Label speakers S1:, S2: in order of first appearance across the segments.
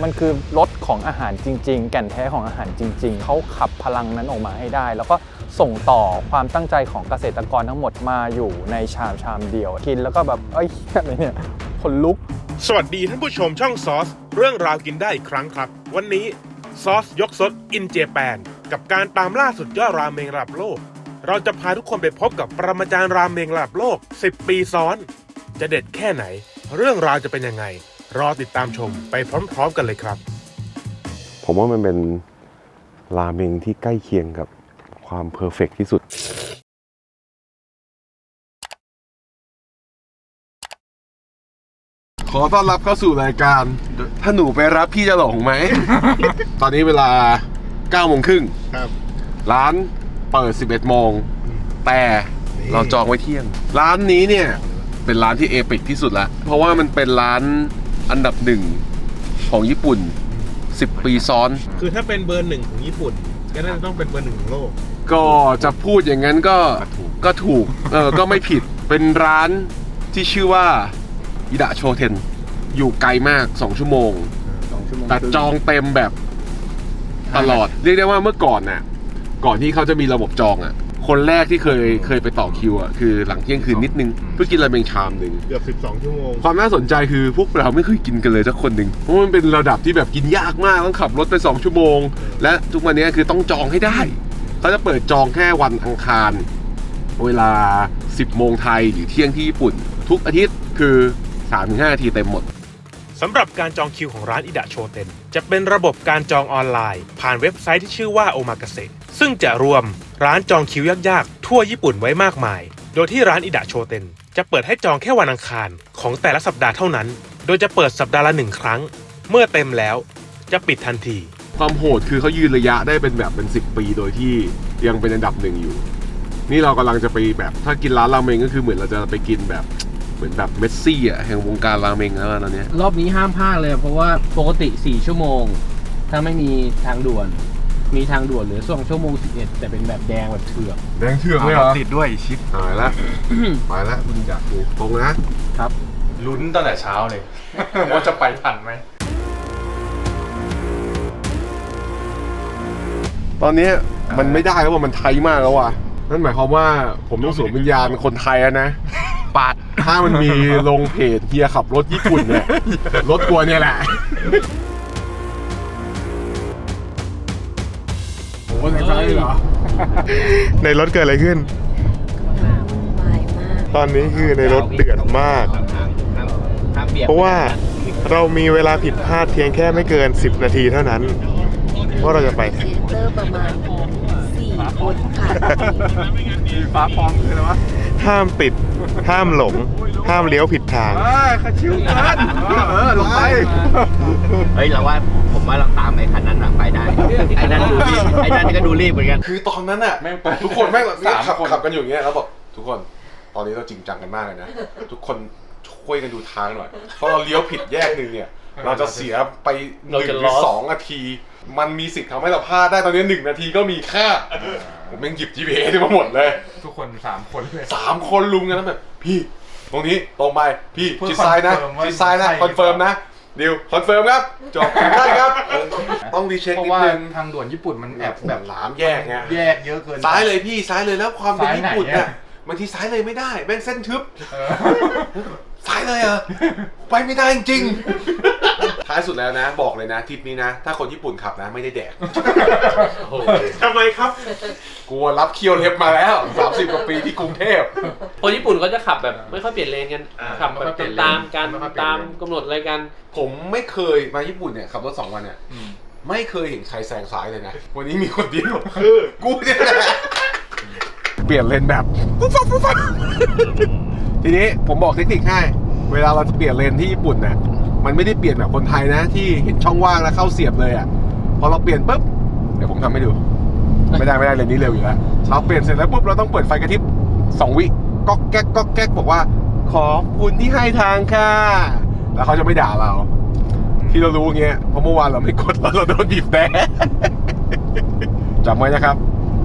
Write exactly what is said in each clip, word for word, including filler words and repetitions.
S1: มันคือรสของอาหารจริงๆแก่นแท้ของอาหารจริงๆเขาขับพลังนั้นออกมาให้ได้แล้วก็ส่งต่อความตั้งใจของเกษตรกรทั้งหมดมาอยู่ในชามชามเดียวกินแล้วก็แบบเอ้ยอะไรเนี่ยขนลุก
S2: สวัสดีท่านผู้ชมช่องซอสเรื่องราวกินได้อีกครั้งครับวันนี้ซอสยกซดอินเจแปนกับการตามล่าสุดยอดราเมงระดับโลกเราจะพาทุกคนไปพบกับปรมาจารย์ราเมงระดับโลกสิบปีซ้อนจะเด็ดแค่ไหนเรื่องราวจะเป็นยังไงรอติดตามชมไปพร้อมๆกันเลยครับ
S3: ผมว่ามันเป็นราเมงที่ใกล้เคียงกับความเพอร์เฟกต์ที่สุดขอต้อนรับเข้าสู่รายการถ้าหนูไปรับพี่จะหลงไหม ตอนนี้เวลาเก้าโมงครึ่งร้านเปิดสิบเอ็ดโมงแต่เราจองไว้เที่ยงร้านนี้เนี่ยเป็นร้านที่เอปิกที่สุดละเพราะว่ามันเป็นร้านอันดับหนึ่งของญี่ปุ่นสิบปีซ้อน
S2: คือถ้าเป็นเบอร์หนึ่งของญี่ปุ่นก็น่าจะต้องเป็นเบอร์หนึ่งของโลก
S3: ก็จะพูดอย่างนั้นก็ก็ถูกเออก็ไม่ผิดเป็นร้านที่ชื่อว่าอิดะโชเทนอยู่ไกลมากสองชั่วโมงแต่จองเต็มแบบตลอดเรียกได้ว่าเมื่อก่อนน่ะก่อนที่เขาจะมีระบบจองอ่ะคนแรกที่เคยเคยไปต่อคิวอ่ะคือหลังเที่ยงคืนนิดนึงเพื่อกินราเมงชามหนึ่ง
S2: เกือบสิบสองชั่วโมง
S3: ความน่าสนใจคือพวกเราไม่เคยกินกันเลยสักคนหนึ่งเพราะมันเป็นระดับที่แบบกินยากมากต้องขับรถไปสองชั่วโมงและทุกวันนี้คือต้องจองให้ได้เขาจะเปิดจองแค่วันอังคารเวลาสิบโมงไทยหรือเที่ยงที่ญี่ปุ่นทุกอาทิตย์คือ สามถึงห้า นาทีเต็มหมด
S2: สำหรับการจองคิวของร้านอิดะโชเทนจะเป็นระบบการจองออนไลน์ผ่านเว็บไซต์ที่ชื่อว่าโอมากาเสะซึ่งจะรวมร้านจองคิวยากๆทั่วญี่ปุ่นไว้มากมายโดยที่ร้านอิดะโชเทนจะเปิดให้จองแค่วันอังคารของแต่ละสัปดาห์เท่านั้นโดยจะเปิดสัปดาห์ละหนึ่งครั้งเมื่อเต็มแล้วจะปิดทันที
S3: ความโหดคือเขายืนระยะได้เป็นแบบเป็นสิบปีโดยที่ยังเป็นอันดับหนึ่งอยู่นี่เรากำลังจะไปแบบถ้ากินร้านราเมงก็คือเหมือนเราจะไปกินแบบเหมือนแบบเมสซี่อ่ะแห่งวงการราเมงแล้วตอนนี้
S4: รอบนี้ห้ามพลาดเลยเพราะว่าปกติสี่ชั่วโมงถ้าไม่มีทางด่วนมีทางด่วนเหลือสองชั่วโมงสิบเอ็ดแต่เป็นแบบแดงแบบเถือก
S3: แดงเถือกเลยเหรอ
S5: ติดด้วยชิป
S3: หายแล้ว ไปแล้วคุณอยากดูตรงนะครับ
S5: ลุ้นตั้งแต่เช้าเลย ว่าจะไปทันไหม
S3: ตอนนี้มันไม่ได้แล้วว่ามันไทยมากแล้วว่ะนั่นหมายความว่าผมต้องสวมวิญญาณคนไทยนะ
S5: ปาด
S3: ถ้ามันมีลงเพจเฮียขับรถญี่ปุ่นเนี่ยรถกลัวเนี่ยแหละโอ้โหในใจเหรอ
S2: ในรถเกิดอะไรขึ้นตอนนี้คือในรถเดือดมากเพราะว่าเรามีเวลาผิดพลาดเพียงแค่ไม่เกินสิบนาทีเท่านั้นว่าเราจะไป
S6: เซนเตอร์ประมาณสี่คนค่ะ
S5: ฟ้าพร้อมคืออะไรวะ
S2: ห้ามติดห้ามหลงห้ามเลี้ยวผิดทาง
S3: ขาชิวกันเออลงไป
S4: เฮ้ยเราว่าผมว่าเราตามไอ้คันนั้นไปได้ไอ้นั่นดูรีบไอ้นั่นก็ดูรีบเหมือนกัน
S3: คือตอนนั้นอ่ะทุกคนแม่งแบบขับขับกันอยู่อย่างเงี้ยแล้วบอกทุกคนตอนนี้เราจริงจังกันมากเลยนะทุกคนช่วยกันดูทางหน่อยเพราะเราเลี้ยวผิดแยกหนึ่งเนี่ยเราจะเสียไปหนึ่งหรือสองนาทีมันมีสิทธิ์ทำให้เราพลาดได้ตอนนี้หนึ่งนาทีก็มีค่าผมยังหยิบ จี พี เอส มาหมดเลย
S5: ทุกคนสามคนเลย
S3: สามคนลุมกันแล้วแบบพี่ตรงนี้ตรงไปพี่ชิดซ้ายนะชิดซ้ายนะคอนเฟิร์มนะดิวคอนเฟิร์มครับจบได้ครับต้องรีเช็คนิดนึง
S5: ทางด่วนญี่ปุ่นมันแอบ
S3: แบบหลามแยกไง
S5: แยกเยอะเกิน
S3: ซ้ายเลยพี่ซ้ายเลยแล้วความเป็นญี่ปุ่นเนี่ยบางทีซ้ายเลยไม่ได้แม่งเส้นทึบซ้ายเลยเหรอไปไม่ได้จริงท้ายสุดแล้วนะบอกเลยนะทริปนี้นะถ้าคนญี่ปุ่นขับนะไม่ได้แดก
S2: ทำไมครับ
S3: กลัวรับเคี้ยวเล็บมาแล้วสามสิบกว่าปีที่กรุงเทพ
S4: คนญี่ปุ่นเขาจะขับแบบไม่ค่อยเปลี่ยนเลนกันขับแบบตามกันตามกำหนดอะไรกัน
S3: ผมไม่เคยมาญี่ปุ่นเนี่ยขับรถสองวันเนี่ยไม่เคยเห็นใครแซงซ้ายเลยนะวันนี้มีคนเดียวคือกูเนี่ยแหละเปลี่ยนเลนแบบปุ๊บปั๊บปุ๊บปั๊บทีนี้ผมบอกเทคนิคให้เวลาเราจะเปลี่ยนเลนที่ญี่ปุ่นเนี่ยมันไม่ได้เปลี่ยนแบบคนไทยนะที่เห็นช่องว่างแล้วเข้าเสียบเลยอ่ะพอเราเปลี่ยนปุ๊บเดี๋ยวผมทำให้ดูไม่ได้ไม่ได้เลนนี้เร็วอยู่แล้วเราเปลี่ยนเสร็จแล้วปุ๊บเราต้องเปิดไฟกระพริบสองวิก๊อกแก๊กก๊อกแก๊กบอกว่าขอบคุณที่ให้ทางค่ะแล้วเขาจะไม่ด่าเราที่เรารู้เงี้ยเพราะเมื่อวานเราไม่กดแล้วเราโดนบีบแตะจำไว้นะครับ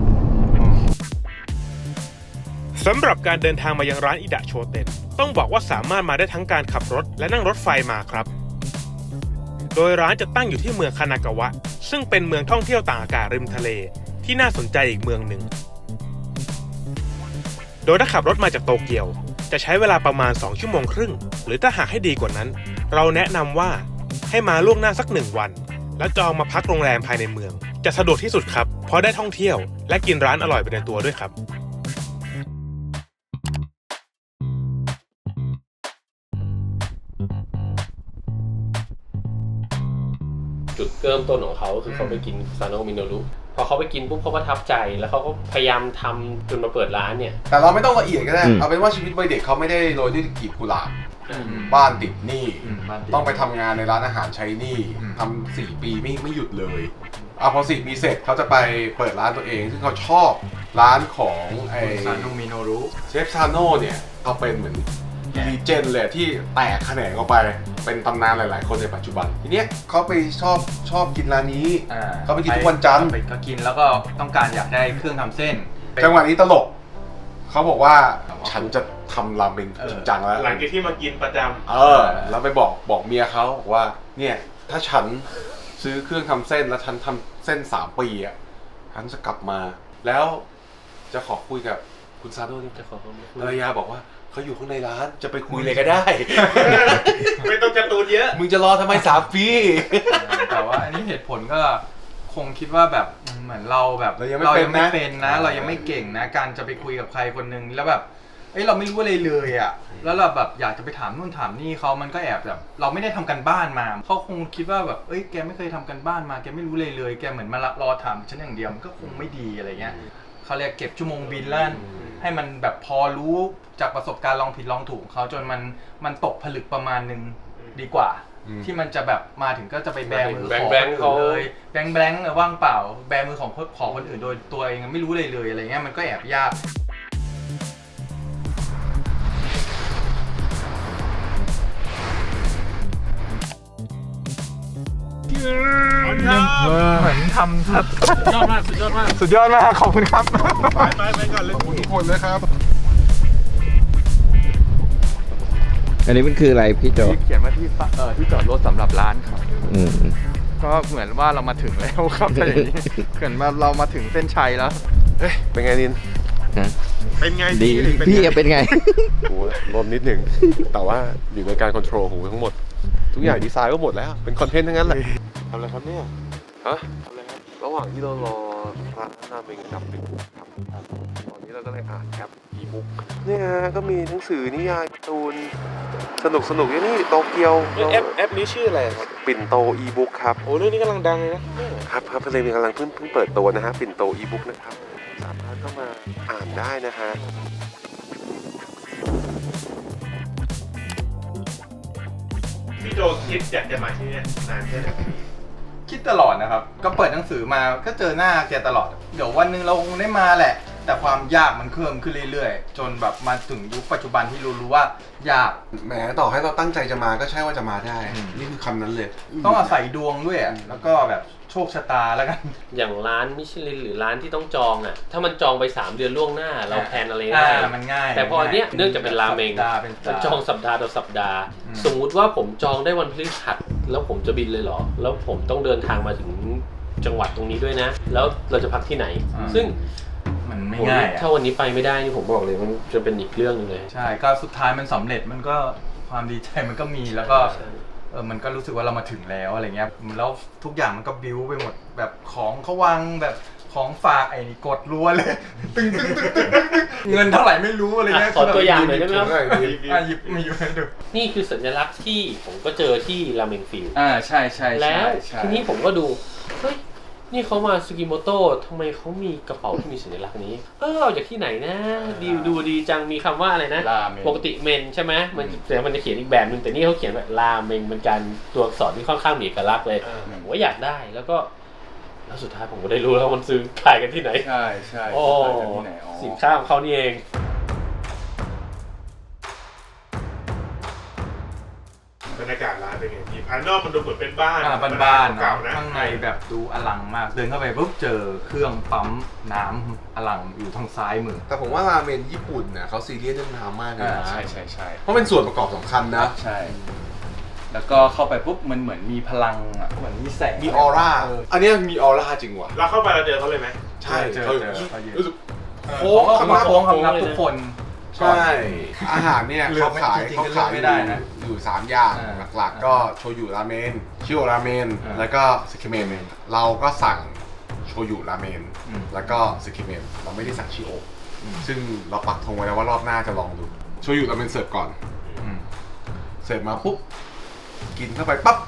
S2: สำหรับการเดินทางมายังร้านอิดะโชเทนต้องบอกว่าสามารถมาได้ทั้งการขับรถและนั่งรถไฟมาครับโดยร้านจะตั้งอยู่ที่เมืองคานากาวะซึ่งเป็นเมืองท่องเที่ยวต่างอากาศริมทะเลที่น่าสนใจอีกเมืองหนึ่งโดยถ้าขับรถมาจากโตเกียวจะใช้เวลาประมาณสองชั่วโมงครึ่งหรือถ้าหากให้ดีกว่านั้นเราแนะนำว่าให้มาล่วงหน้าสักหนึ่งวันแล้วจองมาพักโรงแรมภายในเมืองจะสะดวกที่สุดครับเพราะได้ท่องเที่ยวและกินร้านอร่อยไปในตัวด้วยครับ
S4: จุดเริ่มต้นของเขาคือเขาไปกินซาโนะมิโนรุพอเขาไปกินปุ๊บเขาประทับใจแล้วเขาก็พยายามทำจนมาเปิดร้านเนี่ย
S3: แต่เราไม่ต้องละเอียดก็ได้เอาเป็นว่าชีวิตวัยเด็กเขาไม่ได้โรยด้วยกลีบกุหลาบบ้านติดหนี้ต้องไปทำงานในร้านอาหารใช้หนี้ทำสี่ปีไม่ไม่หยุดเลยอ่ะพอสี่ปีเสร็จเขาจะไปเปิดร้านตัวเองซึ่งเขาชอบร้านของไอ
S5: ซาโนะมิโนรุ
S3: เชฟซาโน่เนี่ยเขาเป็นเหมือนลีเจนเลยที่แตกแขนงออกไปเป็นตำนานหลายๆคนในปัจจุบันทีเนี้ยเขาไปชอบชอบกินร้านนี้เขาไปกินทุกวันจันทร์
S5: ก็กินแล้วก็ต้องการอยากได้เครื่องทำเส้น
S3: จังหวะนี้ตลกเขาบอกว่าฉันจะทำราเมงจริงจังแล้ว
S2: หลังจากที่มากินประจำ
S3: เออแล้วไปบอกบอกเมียเขาบอกว่าเนี่ยถ้าฉันซื้อเครื่องทำเส้นแล้วฉันทำเส้นสามปีอ่ะฉันจะกลับมาแล้วจะขอคุยกับคุณซาโนะนี่จะขอภรรยาบอกว่าเขาอยู่ข้างในร้านจะไปคุยเลยก็ได้
S2: ไม่ต้องการ์ตูนเยอะ
S3: มึงจะรอทำไมสามปี
S5: แต่ว่าอันนี้เหตุผลก็คงคิดว่าแบบเหมือนเราแบบ
S3: เรายังไม่เป็นนะ
S5: เรายังไม่เก่งนะการจะไปคุยกับใครคนนึงแล้วแบบเอ้ยเราไม่รู้อะไรเลยอ่ะแล้วเราแบบอยากจะไปถามนู่นถามนี่เขามันก็แอบแบบเราไม่ได้ทำกันบ้านมาเขาคงคิดว่าแบบเอ้ยแกไม่เคยทำกันบ้านมาแกไม่รู้เลยเลยแกเหมือนมารอถามฉันอย่างเดียวมันก็คงไม่ดีอะไรเงี้ยเขาเรียกเก็บชั่วโมงบินแล้วให้มันแบบพอรู้จากประสบการณ์ลองผิดลองถูกเขาจนมันมันตกผลึกประมาณนึงดีกว่าที่มันจะแบบมาถึงก็จะไปแบมือของคนอื่นเลยแบงแบงว่างเปล่าแบมือของของคนอื่นโดยตัวเองไม่รู้เลยเลยอะไรเงี้ยมันก็แอบยากเหมือนทำสุดยอดมากสุดยอดมาก
S3: สุดยอดมากขอบคุณครับ
S2: ไปไปไปก่อนเลย
S3: ขอบคุณทุกคนเลยครับ
S7: อันนี้มันคืออะไรพี่โจ
S5: เขียนว่าที่เอ่อที่จอดรถสำหรับร้านครับก็เหมือนว่าเรามาถึงแล้วครับแต่อย่างนี้เหมือนว่าเรามาถึงเส้นชัยแล้ว
S3: เฮ้ยเป็นไงนิน
S2: เป็นไง
S7: ดีพี่เป็นไง
S3: โอ้ลมนิดหนึ่งแต่ว่าอยู่ในการควบคุมหูทั้งหมดทุกอย่างดีไซน์ก็หมดแล้วเป็นคอนเทนต์ทั้งนั้นแหละทำอะไรครับเนี่ยฮะทำอะไรครับระหว่างที่เรารอร้านราเมงดับหนึ่งครับตอนนี้เราก็เลยอ่านแอปอีบุ๊กเนี่ยก็มีหนังสือนิยายการ์ตูนสนุกสนุกอย่างนี้โตเกียว
S2: แอปแอปนี้ชื่ออะไรครับ
S3: ปิ่นโตอีบุ๊กครับ
S2: โอ้เรื่องนี้กำลังดังเลยนะครับ
S3: ครับเพลงกำลังเพิ่งเพิ่งเปิดตัวนะฮะปิ่นโตอีบุ๊กนะครับสามารถเข้ามาอ่านได้นะฮะ
S2: พี่โจคิดอยากจะมาที่นี่นานแค่ไหน
S5: คิดตลอดนะครับก็เปิดหนังสือมาก็เจอหน้าแกตลอดเดี๋ยววันนึงเราคงได้มาแหละแต่ความยากมันเพิ่มขึ้นเรื่อยๆจนแบบมาถึงยุคปัจจุบันที่รู้รู้ว่ายาก
S3: แหมต่อให้เราตั้งใจจะมาก็ใช่ว่าจะมาได้นี่คือคำนั้นเลย
S5: ต้องอาศัยดวงด้วยแล้วก็แบบโชคชะตาแล้วกัน
S4: อย่างร้านมิชลินหรือร้านที่ต้องจองอ่ะถ้ามันจองไปสามเดือนล่วงหน้าเราแพลนอะไรได้
S5: มันง่าย
S4: แต่พอเนี้ยเนื่องจากเป็นราเมงมันจองสัปดาห์ต่อสัปดาห์สมมุติว่าผมจองได้วันพฤหัสแล้วผมจะบินเลยเหรอแล้วผมต้องเดินทางมาถึงจังหวัดตรงนี้ด้วยนะแล้วเราจะพักที่ไหนซึ่ง
S5: มันไม่ง่าย
S4: ถ้าวันนี้ไปไม่ได้นี่ผมบอกเลยมันจะเป็นอีกเรื่องนึงเลย
S5: ใช่ก็สุดท้ายมันสำเร็จมันก็ความดีใจมันก็มีแล้วก็เออมันก็รู้สึกว่าเรามาถึงแล้วอะไรเงี้ยแล้วทุกอย่างมันก็บิ้วไปหมดแบบของเขาวางแบบของฝากไอ้นี่กดรัวเลยตึ้งตึ้งตึ้งตึ้งเงินเท่าไหร่ไม่รู้อะไรเงี้ย
S4: ขอตัวอย่างหน่อยได้ไหมครับ
S5: หยิบมาอยู่ให้ดู
S4: นี่คือสัญลักษณ์ที่ผมก็เจอที่ราเมงฟิล
S5: อ่าใช่ใช่
S4: แล้วทีนี้ผมก็ดูเฮ้ยนี่เขามาซูกิโมโต้ทำไมเขามีกระเป๋าที่มีสัญลักษณ์นี้เออเอาจากที่ไหนนะดีดูดีจังมีคำว่าอะไรนะปกติเมนใช่ไหมมันแต่มันจะเขียนอีกแบบนึงแต่นี่เขาเขียนแบบราเมงเป็นการตัวอักษรที่ค่อนข้างมีเอกลักษณ์เลยผมว่าอยากได้แล้วก็แล้วสุดท้ายผมก็ได้รู้แล้วมันซื้อขายกันที่ไหน
S5: ใช่ใช่
S4: โอ้สินค้าของเขานี่เอง
S2: บรรยากาศร้านเป็นไงพี่ภายนอกมันดูเหมือนเป็นบ้าน
S5: บ้านๆเก่านะข้างในแบบดูอลังมากเดินเข้าไปปุ๊บเจอเครื่องปั๊มน้ำอลังอยู่ทางซ้ายมือ
S3: แต่ผมว่าราเมนญี่ปุ่นเนี่ยเขาซีเรียสเรื่องน้ำมากเลยนะ
S5: ใช่ใช่ใช่
S3: เพราะเป็นส่วนประกอบสำคัญนะ
S5: ใช่แล้วก็เข้าไปปุ๊บมันเหมือนมีพลังอ่ะเหมือนมีแสง
S3: มีออร่า อันเนี้ยมีออร่าจริงว่ะ
S2: เราเข้าไปเราเจอเขาเลยไหม
S3: ใช่
S5: เจอ
S3: เขา
S5: เจอเขายืน
S3: รู้สึก
S5: โค้งเขามาโค้งคำนับทุกคน
S3: ใช่ อาหารเนี่ย
S5: เลือ
S3: เขา
S5: กไม่
S3: ขาย
S5: จริงๆ
S3: เขา
S5: ก็เลือ
S3: ขาก ย
S5: ไม่ได้นะ
S3: อยู่สามอย่าง
S5: อ่า
S3: หลักๆ ก็โชยุราเมนชิโอราเมน
S5: อ่า
S3: แล้วก็สึคิเมนเราก็สั่งโชยุราเมน
S5: อืม
S3: แล้วก็สึคิเมนเราไม่ได้สั่งชิโออซึ่งเราปักธงไว้แล้วว่ารอบหน้าจะลองดูโชยุราเมนเสิร์ฟก่อน
S5: อืม
S3: เสิร์ฟมาปุ๊บกินเข้าไปปั๊บ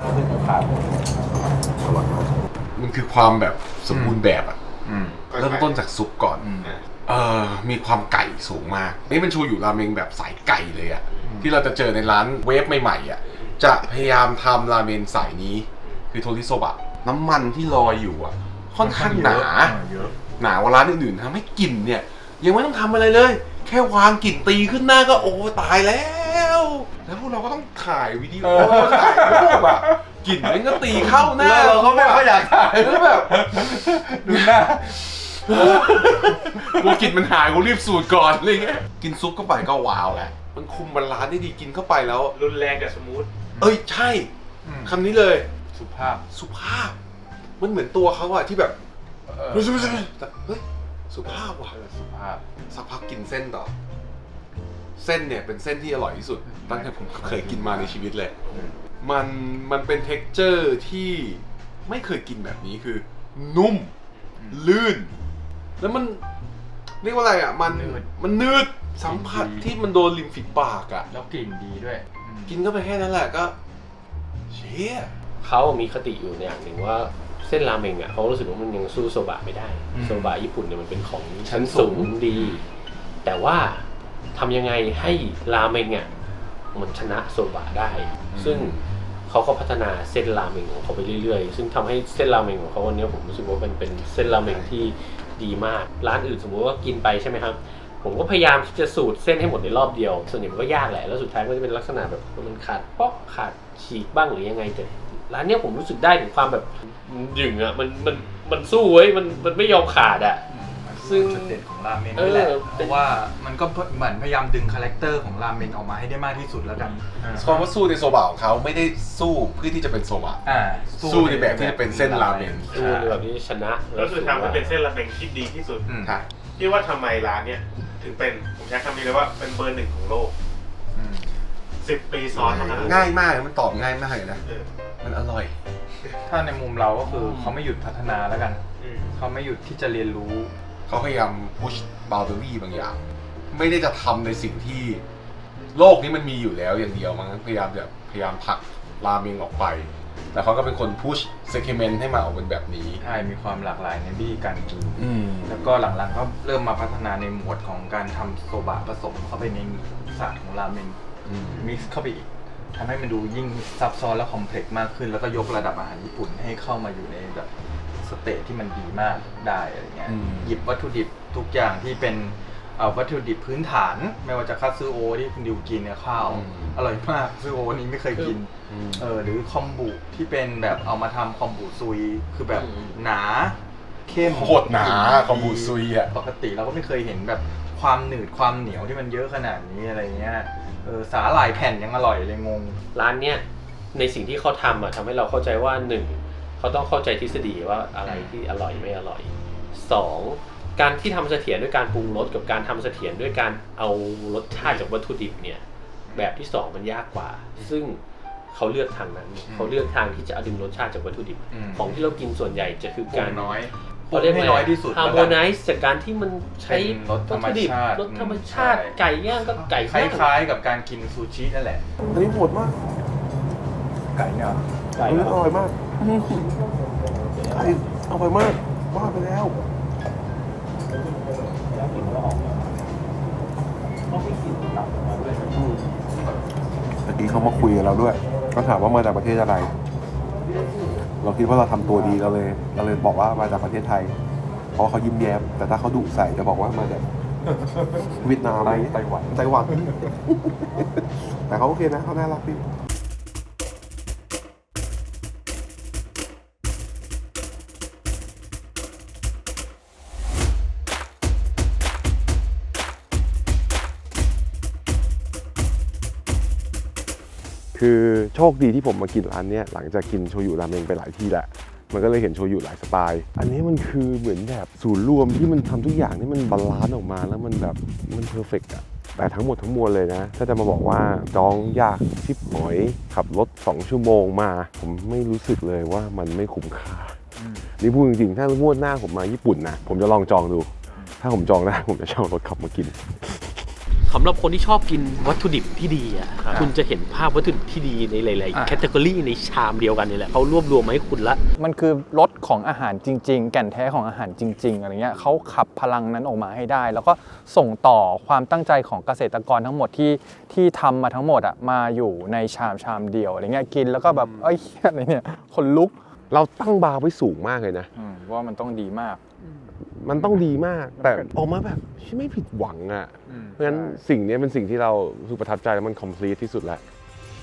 S3: มันคือความแบบสมบูรณ์แบบอะ
S5: อืม
S3: เริ่มต้นจากซุปก่อน
S5: อืม
S3: เออมีความไก่สูงมาก นี่เป็นโชยุราเมงแบบสายไก่เลยอะที่เราจะเจอในร้านเวฟใหม่ๆอะจะพยายามทำราเมนสายนี้ คือโทริโซบะ น้ำมันที่ลอยอยู่อะค่อนข้างหนา
S5: เยอะ
S3: หนากว่าร้านอื่นๆทำให้กลิ่นเนี่ย ยังไม่ต้องทำอะไรเลย แค่วางกลิ่นตีขึ้นหน้าก็โอ้ตายแล้ว แล้วพวกเราก็ต้องถ่ายวิดีโอถ่ายรูปอะกลิ่นมันก็ตีเข้าหน้า
S5: เราก็ไม่ค่อยอยากถ่าย
S3: แล้วแบบ
S5: ดูหน้า
S3: กูกินมันหายกูรีบสูตรก่อนอะไรเงี้ยกินซุปเข้าไปก็ว้าวแหละมันคุมบาลานซ์ได้ดีกินเข้าไปแล้ว
S2: รุนแรงกับสมูท
S3: เอ้ยใช่
S5: อืม
S3: คำนี้เลย
S5: สุภาพ
S3: สุภาพ มันเหมือนตัวเขาอะที่แบบ
S5: เออ
S3: เฮ้ยแต่เฮ้ยสุภาพว่ะ
S5: เออสุภาพ
S3: สักพักกินเส้นต่อ เส้นเนี่ยเป็นเส้นที่อร่อยที่สุดตั้งแต่ผมเคยกินมาในชีวิตเลย มันมันเป็น เท็กเจอร์ ที่ไม่เคยกินแบบนี้คือ นุ่ม ลื่น แล้วมันเรียกว่าอะไรอ่ะ มัน
S5: นืด
S3: มันนืดสัมผัส
S5: ดี
S3: ที่มันโดนริมฝีปากอ่ะ
S5: แล้วกลิ่นดีด้วยอืม
S3: กินเข้าไปแค่นั้นแหละก็เชี่ย
S4: เขามีคติอยู่อย่างหนึ่งว่าเส้นราเมงอ่ะเขารู้สึกว่ามันยังสู้โซบะไม่ได้ โซบะญี่ปุ่นเนี่ยมันเป็นของชั้นสูงดี แต่ว่าทำยังไงให้ราเมงอ่ะมันชนะโซบะได้ ซึ่งเขาก็พัฒนาเส้นราเมงของเขาไปเรื่อยๆ ซึ่งทำให้เส้นราเมงของเขาวันนี้ผมรู้สึกว่ามันเป็นเส้นราเมงที่ดีมาก ร้านอื่นสมมติว่ากินไปใช่ไหมครับ ผมก็พยายามที่จะสูตรเส้นให้หมดในรอบเดียว ส่วนใหญ่มันก็ยากแหละ แล้วสุดท้ายก็จะเป็นลักษณะแบบมันขาดป๊อกขาดฉีกบ้างหรือยังไงแต่ร้านเนี้ยผมรู้สึกได้ถึงความแบบหยึงอ่ะมันมันมันสู้เว้ยมันมันไม่ยอมขาดอ่ะ ซึ่ง
S5: จุดเด่นของราเมงนี่แหละ
S4: เออ
S5: เพราะว่ามันก็เหมือนพยายามดึงคาแรคเตอร์ของราเมงออกมาให้ได้มากที่สุดแล้วกันอ่า
S3: ความว่าสู้ในโซบะของเขาไม่ได้สู้เพื่อที่จะเป็นโซบะ
S5: อ่า
S3: สู้ในแบบที่จะเป็นเส้นราเมง
S4: สู้ในแบบที่ชนะ
S2: แล้วคือทำให้เป็นเส้นราเมงที่ดีที่สุด
S5: อืม
S3: ค่ะ
S2: ที่ว่าทำไมร้านเนี้ยถึงเป็นผมใช้คำนี้เลยว่าเป็นเบอร์หนึ่งของโลก
S5: อืม
S2: สิบปีซ้อนเท่านั้น
S3: ง่ายมากมันตอบง่ายมากเลยนะ
S2: เออ
S3: มันอร่อย
S5: ถ้าในมุมเราก็คือเขาไม่หยุดพัฒนาแล้วกัน
S2: อืม
S5: เขาไม่หยุดที่จะเรียนรู้
S3: เขาพยายาม push boundary บางอย่าง ไม่ได้จะทำในสิ่งที่โลกนี้มันมีอยู่แล้วอย่างเดียวมั้งพยายามแบบพยายามผลักราเมงออกไป แต่เขาก็เป็นคน push segment ให้มาออกเป็นแบบนี้
S5: ใช่ มีความหลากหลายในวิธีการกิน
S3: อืม
S5: แล้วก็หลังๆก็เริ่มมาพัฒนาในหมวดของการทำโซบะผสมเข้าไปในศาสตร์ของราเมง
S3: อืม
S5: มิกซ์เข้าไปอีกทำให้มันดูยิ่งซับซ้อนและคอมเพล็กซ์มากขึ้น แล้วก็ยกระดับอาหารญี่ปุ่นให้เข้ามาอยู่ในแบบสเตจที่มันดีมากได้อะไรเงี้ย
S3: อืม
S5: หยิบวัตถุดิบทุกอย่างที่เป็นเอ่อวัตถุดิบพื้นฐาน ไม่ว่าจะคัตสึโอที่คุณดิวกินเนี่ยข้าว อร่อยมากคัตสึโอนี้ไม่เคยกิน
S3: อืม
S5: เออหรือคอมบุที่เป็นแบบเอามาทำคอมบุซุยคือแบบหนาเข้ม
S3: โคตรหนาคอมบูซุยอ่ะ
S5: ปกติเราก็ไม่เคยเห็นแบบความหนืดความเหนียวที่มันเยอะขนาดนี้อะไรเงี้ยเออสาหร่ายแผ่นยังอร่อยเลยงง
S4: ร้านเนี้ยในสิ่งที่เขาทำอ่ะทำให้เราเข้าใจว่าหนึ่งเขาต้องเข้าใจทฤษฎีว่าอะไรที่อร่อยไม่อร่อยสองการที่ทำเสถียรด้วยการปรุงรสกับการทำเสถียรด้วยการเอารสชาติจากวัตถุดิบเนี่ยแบบที่สองมันยากกว่า ซึ่งเขาเลือกทางนั้น
S5: อืม
S4: เขาเลือกทางที่จะเอาดึงรสชาติจากวัตถุดิบ
S5: อืม
S4: ของที่เรากินส่วนใหญ่จะคือ
S5: ปรุ
S4: การ
S5: งน้อย
S4: เขาเรียก
S5: ให้น้อยที่สุด
S4: ฮาร์โมไนซ์จากการที่มันใช้
S5: เป็นรสธรรม
S4: วัตถุดิบ
S5: ชาติ
S4: รสธรรมชาติ
S5: ใช่
S4: ไก่ย่างก็ไก่
S5: ค
S4: ย่าง
S5: ล้ายๆกับการกินซูชินั่นแหละ
S3: อันนี้โหดมาก
S5: ไก่เนี่ยเหรอ
S3: อันนี้อร่อยมากไก่อร่อยมากว่าไปแล้ว
S8: เมื่อกี้เขามาคุยกับเราด้วย ก็ถามว่ามาจากประเทศอะไร เราคิดว่าเราทำตัวดีเราเลยเราเลยบอกว่ามาจากประเทศไทย เพราะเขายิ้มแย้ม แต่ถ้าเขาดุใส่จะบอกว่ามาจากเวียดนามไต้หวันไต้หวัน แต่เขาโอเคนะเขาน่ารักพี่คือโชคดีที่ผมมากินร้านเนี้ยหลังจากกินโชยุราเมงไปหลายที่แหละมันก็เลยเห็นโชยุหลายสไตล์อันนี้มันคือเหมือนแบบศูนย์รวมที่มันทำทุกอย่างที่มันบาลานซ์ออกมาแล้วมันแบบมันเพอร์เฟกต์อะแต่ทั้งหมดทั้งมวลเลยนะถ้าจะมาบอกว่าจองยากชิบหอยขับรถสองชั่วโมงมาผมไม่รู้สึกเลยว่ามันไม่คุ้มค่านี่พูดจริงๆถ้างวดหน้าผมมาญี่ปุ่นนะผมจะลองจองดูถ้าผมจองได้ผมจะเช่ารถขับมากิน
S4: สำหรับคนที่ชอบกินวัตถุดิบที่ดีอ่ะคุณจะเห็นภาพวัตถุดิบที่ดีในหลายๆแคตตากรีในชามเดียวกันนี่แหละเขารวบรวมมาให้คุณละ
S1: มันคือรสของอาหารจริงๆแก่นแท้ของอาหารจริงๆอะไรเงี้ยเขาขับพลังนั้นออกมาให้ได้แล้วก็ส่งต่อความตั้งใจของเกษตรกรทั้งหมดที่ที่ทำมาทั้งหมดอ่ะมาอยู่ในชามชามเดียวอะไรเงี้ยกินแล้วก็แบบเอ้ยอะไรเนี่ยคนลุก
S8: เราตั้งบาร์ไว้สูงมากเลยนะ
S1: ว่ามันต้องดีมาก
S8: มันต้องดีมากแต่ออกมาแบบไม่ผิดหวังอ่ะเพราะฉะนั้นสิ่งนี้เป็นสิ่งที่เรารู้สึกประทับใจแล้วมัน complete ที่สุดแล้ว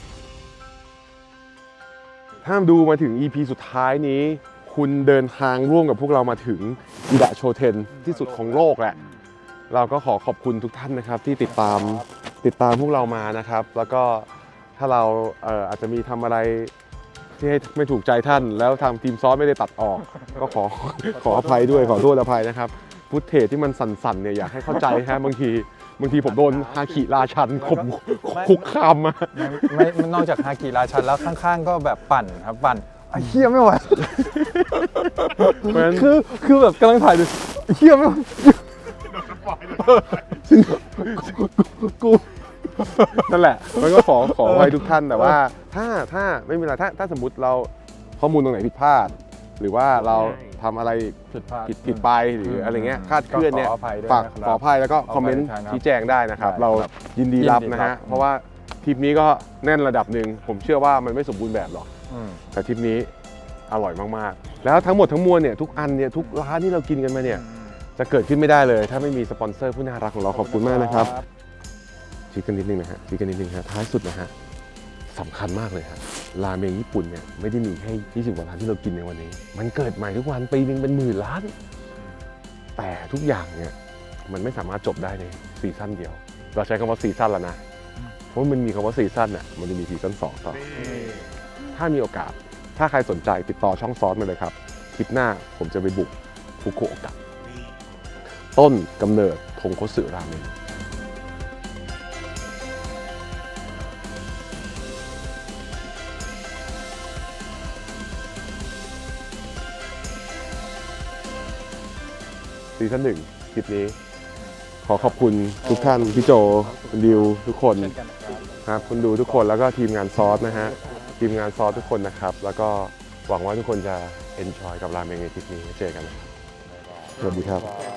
S8: ถ้าดูมาถึง อี พี สุดท้ายนี้คุณเดินทางร่วมกับพวกเรามาถึงอิดะโชเทนที่สุดของโลกแหละเราก็ขอขอบคุณทุกท่านนะครับที่ติดตามติดตามพวกเรามานะครับแล้วก็ถ้าเราเอ่ออาจจะมีทำอะไรที่ให้ไม่ถูกใจท่านแล้วทางทีมซอสไม่ได้ตัดออกก็ขอขออภัยด้วยขอโทษอภัยนะครับฟุตเทจที่มันสั่นๆเนี่ยอยากให้เข้าใจฮะบางทีบางทีผมโดนฮาคิราชันข่มคุกคามมา
S1: ไม่นอกจากฮาคิราชันแล้วข้างๆก็แบบปั่นครับปั่นไอ้เหี้ยไม่ไหวคือคือแบบกำลังถ่ายดูเหี้ยไม่ไหว
S8: กูนั่นแหละมันก็ขอขอไว้ทุกท่านแต่ว่าถ้าถ้าไม่มีอะไรถ้าถ้าสมมติเราข้อมูลตรงไหนผิดพลาดหรือว่าเราทำอะไรผิดผิดผิดไปหรืออะไรเงี้ยคาดเคลื่อนเนี่ยฝากขออภัยแล้วก็คอมเมนต์ชี้แจงได้นะครับเรายินดีรับนะฮะเพราะว่าทริปนี้ก็แน่นระดับหนึ่งผมเชื่อว่ามันไม่สมบูรณ์แบบหรอกแต่ทริปนี้อร่อยมากๆแล้วทั้งหมดทั้งมวลเนี่ยทุกอันเนี่ยทุกร้านที่เรากินกันมาเนี่ยจะเกิดขึ้นไม่ได้เลยถ้าไม่มีสปอนเซอร์ผู้น่ารักของเราขอบคุณมากนะครับชี้กันนิดนึงนะฮะชี้กันนิดนึงฮะท้ายสุดนะฮะสำคัญมากเลยครับราเมงญี่ปุ่นเนี่ยไม่ได้มีแค่ยี่สิบกว่าร้านที่เรากินในวันนี้มันเกิดใหม่ทุกวันปีนึงเป็นหมื่นล้านแต่ทุกอย่างเนี่ยมันไม่สามารถจบได้ในซีซั่นเดียวเราใช้คำว่าซีซั่นแล้วนะเพราะมันมีคำว่าซีซั่นน่ะมันจะมีซีซั่นสองต่อถ้ามีโอกาสถ้าใครสนใจติดต่อช่องซอสมาเลยครับคลิปหน้าผมจะไปบุกฟุกุโอกะต้นกำเนิดทงคัตสึราเมงซีซั่นหนึ่งคลิปนี้ขอขอบคุณทุกท่านพี่โจคุณดิวทุกคนครับคุณดูทุกคนแล้วก็ทีมงานซอสนะฮะทีมงานซอสทุกคนนะครับแล้วก็หวังว่าทุกคนจะเอนจอยกับราเมงในทริปนี้เจอกันนะครับสวัสดีครับ